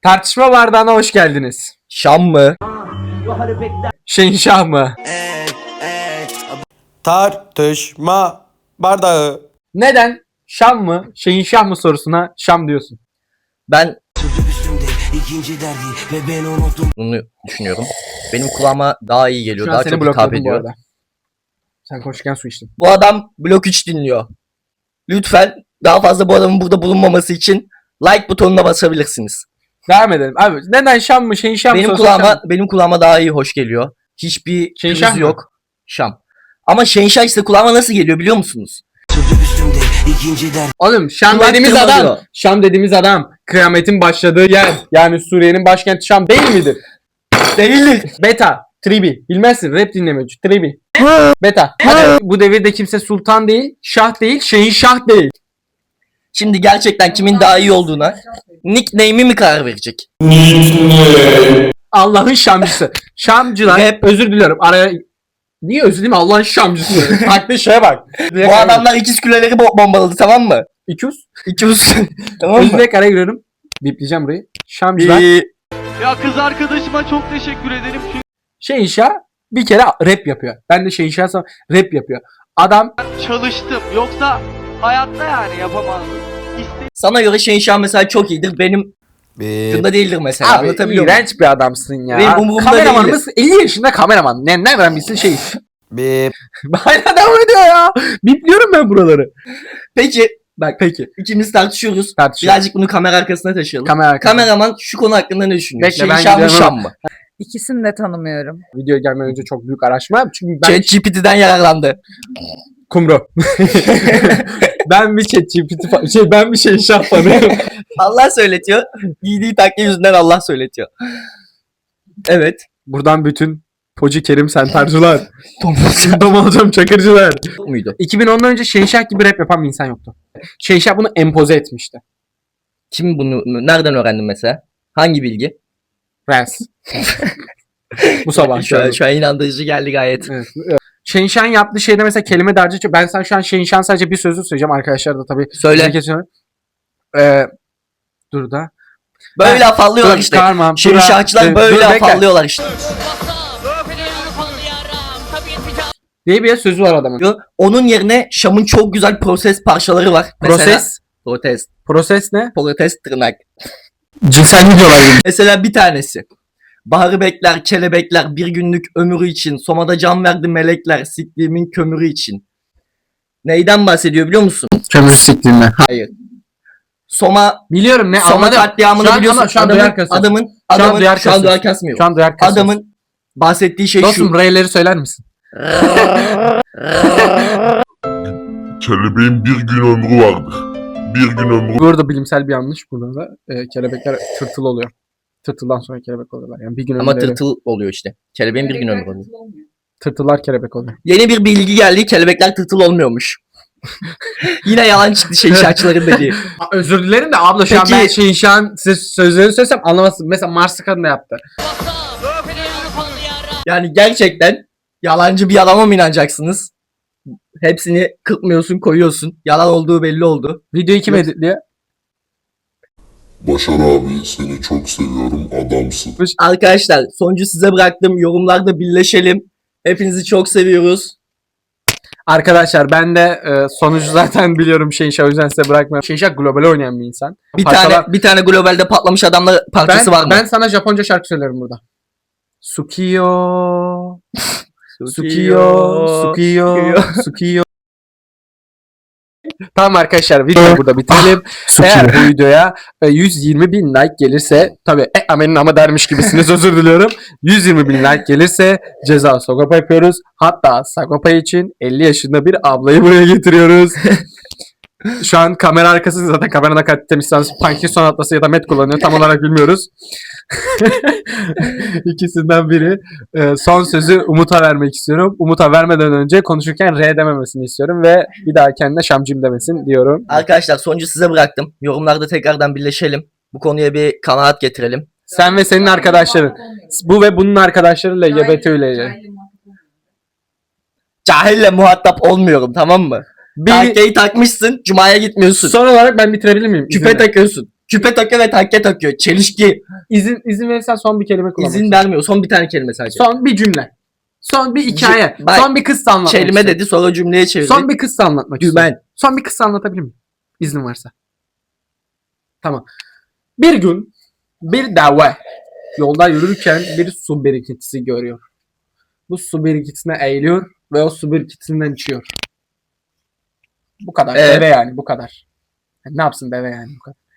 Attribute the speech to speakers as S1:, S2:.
S1: Tartışma bardağına hoş geldiniz.
S2: Şam mı?
S1: Şenşah mı?
S3: Tartışma bardağı.
S1: Neden Şam mı, Şenşah mı sorusuna Şam diyorsun?
S2: Ben bunu düşünüyorum. Benim kulağıma daha iyi geliyor.
S1: Şu an
S2: Daha
S1: seni
S2: çok hitap
S1: blokladım bu
S2: ediyor.
S1: arada. Sen konuşurken su içtin.
S2: Bu adam blok 3 dinliyor. Lütfen daha fazla bu adamın burada bulunmaması için like butonuna basabilirsiniz.
S1: Devam edelim. Abi neden Şam mı, Şenşah mı
S2: Benim
S1: sorusuna Şam mı?
S2: kulağıma daha iyi hoş geliyor. Hiçbir
S1: Şenşah
S2: kriz
S1: mı?
S2: yok. Şam. Ama Şenşah ise kulağıma nasıl geliyor biliyor musunuz?
S1: Oğlum Şam
S2: Kulak
S1: dediğimiz
S2: tırmalıyor.
S1: adam. Şam dediğimiz adam. Kıyametin başladığı yer. Yani Suriye'nin başkenti Şam değil midir?
S2: Değildir.
S1: Beta. Tribi. Bilmezsin. Rap dinlemiyor. Tribi. Beta. Hadi. Bu devirde kimse sultan değil, şah değil, Şenşah değil.
S2: Şimdi gerçekten kimin daha iyi olduğuna nickname'i mi karar verecek?
S1: Allah'ın Şamcısı. Şamcılar.
S2: Rap.
S1: Özür diliyorum. Araya... Niye özür dileyim? Allah'ın Şamcısı. Haklı şeye bak.
S2: Bu adamlar ikiz küleleri bombaladı, tamam mı?
S1: İkiz.
S2: İkiz. Tamam mı?
S1: Özür dileyerek araya giriyorum. Bipleyeceğim burayı. Şamcılar.
S4: Ya kız arkadaşıma çok teşekkür ederim çünkü
S1: Şenşah bir kere rap yapıyor. Ben de Şenşah'sam rap yapıyor. Adam
S4: çalıştım. Yoksa hayatta yani yapamazdım.
S2: Sana göre Şenşah mesela çok iyidir. Benim bunda değildir mesela.
S1: abi
S2: Anlatabiliyor muyum?
S1: iğrenç bir adamsın ya.
S2: Benim umurumda
S1: Kameramanımız 50 yaşında kameraman. Nereden bilsin şey.
S3: Bip.
S1: Hala devam ediyor ya. Bipliyorum ben buraları.
S2: Peki bak
S1: Peki.
S2: ikimiz tartışıyoruz.
S1: Tartışalım.
S2: Birazcık bunu kamera arkasına taşıyalım.
S1: Kamera.
S2: Kameraman şu konu hakkında ne düşünüyor?
S1: Bekle, ben
S2: Şenşah mı
S1: gidiyorum
S2: Şam mı?
S5: İkisini de tanımıyorum.
S1: Videoya gelmeden önce çok büyük araştırma yaptım. Çünkü ben
S2: ChatGPT'den yararlandı.
S1: kumru. Ben bir ChatGPT ben bir Şenşah fanıyım.
S2: Allah söyletiyor. Giydiği takke yüzünden Allah söyletiyor. Evet.
S1: Buradan bütün Pocu Kerim Sentarcılar,
S2: Thomas
S1: Domalcam Çakırcılar.
S2: muydu?
S1: 2010'dan önce Şenşah gibi rap yapan bir insan yoktu. Şenşah bunu empoze etmişti.
S2: Kim bunu nereden öğrendin mesela? Hangi bilgi?
S1: Rens. Bu sabah
S2: Şu an inandırıcı geldi gayet.
S1: Evet. Şenşah'ın yaptığı şeyde mesela kelime dağarcığı. Ben sana şu an Şenşah'ın sadece bir sözü söyleyeceğim. Arkadaşlar da tabii.
S2: Söyle.
S1: Dur da.
S2: Böyle afallıyorlar
S1: Dur,
S2: işte.
S1: çıkarmam.
S2: Şenşahçılar böyle
S1: Dur, bekle.
S2: afallıyorlar işte.
S1: Diye bir sözü var adamın.
S2: Onun yerine Şam'ın çok güzel proses parçaları var. Mesela,
S1: Proses. Proses ne?
S2: protest tırnak.
S1: Cinsel videolar gibi.
S2: Mesela bir tanesi. Baharı bekler, kelebekler bir günlük ömrü için. Soma'da can verdi melekler, sikliğimin kömürü için. Neyden bahsediyor biliyor musun?
S1: Kömür siktiğinde.
S2: Hayır. Soma
S1: Biliyorum ne
S2: Soma
S1: anladım.
S2: katliamını
S1: Şu an-
S2: biliyorsun.
S1: ama şu an duyar kasıyor.
S2: Adamın
S1: duyar
S2: şu an
S1: kasıyor.
S2: duyar kasmıyor.
S1: Şu an duyar kasıyor.
S2: Adamın bahsettiği şey
S1: Dostum
S2: şu.
S1: R'leri söyler misin?
S6: Kelebeğin bir gün ömrü vardır. Bir gün ömrü
S1: Bu arada bilimsel bir yanlış burada da. Kelebekler tırtıl oluyor. Tırtıldan sonra kelebek oluyorlar. Yani bir gün
S2: Ama
S1: ömürleri-
S2: tırtıl oluyor işte. Kelebeğin bir gün ömrü oluyor.
S1: Tırtıllar kelebek oluyor.
S2: Yeni bir bilgi geldi. Kelebekler tırtıl olmuyormuş. Yine yalan çıktı Şenşahçıların dediği.
S1: Özür dilerim de abla şu an
S2: Peki-
S1: ben Şenşah'ın sözlerini söylesem anlamazsın. Mesela Mars'ı kadın da yaptı.
S2: Yani gerçekten yalancı bir adama mı inanacaksınız? Hepsini kırpmıyorsun, koyuyorsun. Yalan olduğu belli oldu.
S1: Videoyu kim
S2: Evet.
S1: editliyor?
S6: Başar abi seni çok seviyorum adamsın.
S2: Arkadaşlar sonucu size bıraktım. Yorumlarda birleşelim. Hepinizi çok seviyoruz.
S1: Arkadaşlar ben de sonucu zaten biliyorum Şenşah, o yüzden size bırakmıyorum. Şenşah global oynayan bir insan.
S2: Bir tane globalde patlamış adamla parçası var mı?
S1: Ben sana Japonca şarkı söylerim burada. Sukiyo. Sukiyo. Sukiyo. Sukiyo. Tamam arkadaşlar videoyu burada bitirelim. Eğer bu videoya 120 bin like gelirse tabi amenin ama dermiş gibisiniz, özür diliyorum. 120 bin like gelirse ceza Sagopa yapıyoruz. Hatta Sagopa için 50 yaşında bir ablayı buraya getiriyoruz. Şu an kamera arkası, zaten kamerada kalitemiz Parkinson atlası ya da Met kullanıyor, tam olarak bilmiyoruz. İkisinden biri. Son sözü Umut'a vermek istiyorum. Umut'a vermeden önce konuşurken R dememesini istiyorum ve bir daha kendine Şamcım demesin diyorum.
S2: Arkadaşlar sonucu size bıraktım. Yorumlarda tekrardan birleşelim. Bu konuya bir kanaat getirelim.
S1: Sen ve senin arkadaşların. Bu ve bunun arkadaşları LGBT ile.
S2: Cahille muhatap olmuyorum, tamam mı?
S1: Bir,
S2: Takkeyi takmışsın, cumaya gitmiyorsun.
S1: son olarak ben bitirebilir miyim?
S2: Küpe
S1: İzninle.
S2: takıyorsun. Küpe takıyor ve takke takıyor. Çelişki.
S1: İzin verirsen son bir kelime kullanmak
S2: İzin vermiyor. Son bir tane kelime sadece.
S1: Son bir cümle. Son bir hikaye.
S2: Bak,
S1: son bir kıssa anlatmak
S2: Kelime
S1: istiyorum.
S2: dedi sonra cümleye çevirdi.
S1: Son bir kıssa anlatmak istiyorum.
S2: Dümen.
S1: Son bir kıssa anlatabilir miyim? İznin varsa. Tamam. Bir gün bir deve yolda yürürken bir su birikintisi görüyor. Bu su birikintisine eğiliyor ve o su birikintisinden içiyor. Bu kadar.
S2: Evet.
S1: Deve yani bu kadar. Yani ne yapsın deve yani bu kadar.